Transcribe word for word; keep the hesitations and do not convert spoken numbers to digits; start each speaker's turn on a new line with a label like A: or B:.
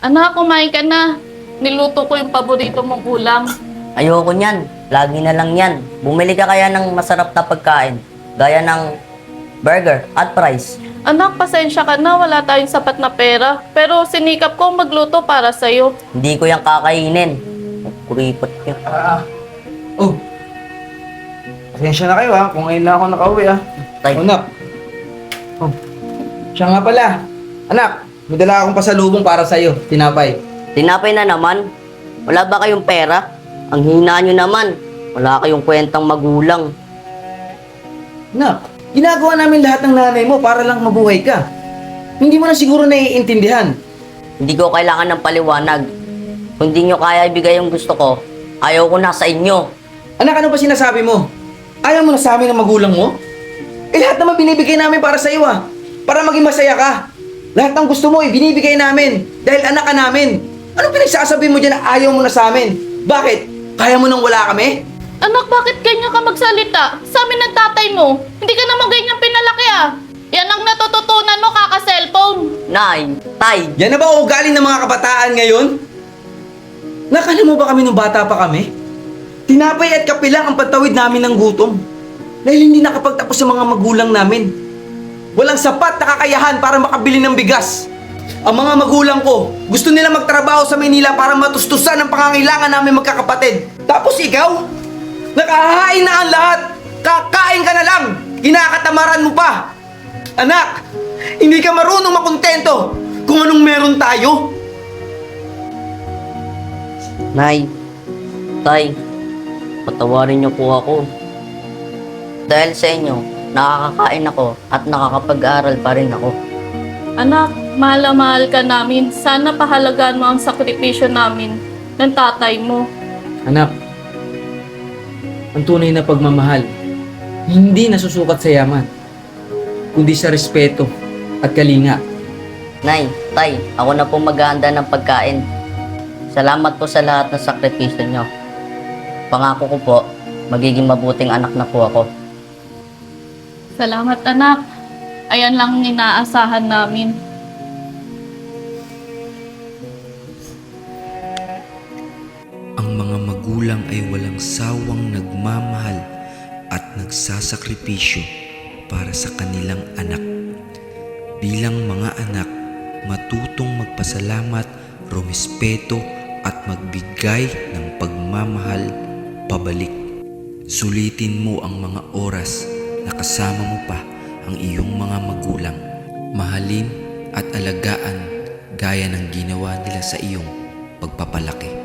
A: Anak, kumain ka na. Niluto ko yung paborito mong ulam.
B: Ayoko niyan. Lagi na lang yan. Bumili ka kaya ng masarap na pagkain. Gaya ng burger at fries.
A: Anak, pasensya ka na. Wala tayong sapat na pera. Pero sinikap ko magluto para sa'yo.
B: Hindi ko yan kakainin. Kuripot yun.
C: Ah, oh. Pasensya na kayo ha, kung ngayon lang ako nakauwi ha.
B: Tay.
C: Oh, anak. Oh. Siya nga pala. Anak, may dala akong pasalubong para sa'yo, tinapay.
B: Tinapay na naman. Wala ba kayong pera? Ang hina nyo naman. Wala kayong kwentang magulang.
C: Anak, ginagawa namin lahat ng nanay mo para lang mabuhay ka. Hindi mo na siguro naiintindihan.
B: Hindi ko kailangan ng paliwanag. Kung di nyo kaya ibigay yung gusto ko, ayaw ko na sa inyo.
C: Anak, ano ba sinasabi mo? Ayaw mo na sa amin ng magulang mo? Eh lahat naman binibigay namin para sa iyo ah. Para maging masaya ka. Lahat ng gusto mo eh, binibigay namin. Dahil anak ka namin. Anong pinagsasabi mo dyan na ayaw mo na sa amin? Bakit? Kaya mo nang wala kami?
A: Anak, bakit ganyan ka magsalita? Sa amin ng tatay mo. Hindi ka naman ganyan pinalaki ah. Yan ang natututunan mo kaka-cellphone.
B: Nay, tay,
C: Yan na ba ang ugali ng mga kabataan ngayon? Nakala mo ba kami nung bata pa kami? Tinapay at kape lang ang pantawid namin ng gutom. Dahil hindi nakapagtapos sa mga magulang namin. Walang sapat na kakayahan para makabili ng bigas. Ang mga magulang ko, gusto nila magtrabaho sa Maynila para matustusan ang pangangailangan namin magkakapatid. Tapos ikaw, nakahain na ang lahat. Kakain ka na lang. Kinakatamaran mo pa. Anak, hindi ka marunong makontento kung anong meron tayo.
B: nay, tay, patawarin niyo po ako. Dahil sa inyo, nakakakain ako at nakakapag-aral pa rin ako.
A: Anak, mahal na mahal ka namin. Sana pahalagaan mo ang sakripisyo namin ng tatay mo.
C: Anak, ang tunay na pagmamahal, hindi nasusukat sa yaman, kundi sa respeto at kalinga.
B: Nay, tay, ako na po maghahanda ng pagkain. Salamat po sa lahat ng sakripisyo nyo. Pangako ko po, magiging mabuting anak na po ako.
A: Salamat, anak. Ayan lang ang inaasahan namin.
D: Ang mga magulang ay walang sawang nagmamahal at nagsasakripisyo para sa kanilang anak. Bilang mga anak, matutong magpasalamat, rumispeto at magbigay ng pagmamahal pabalik. Sulitin mo ang mga oras na kasama mo pa ang iyong mga magulang. Mahalin at alagaan gaya ng ginawa nila sa iyong pagpapalaki.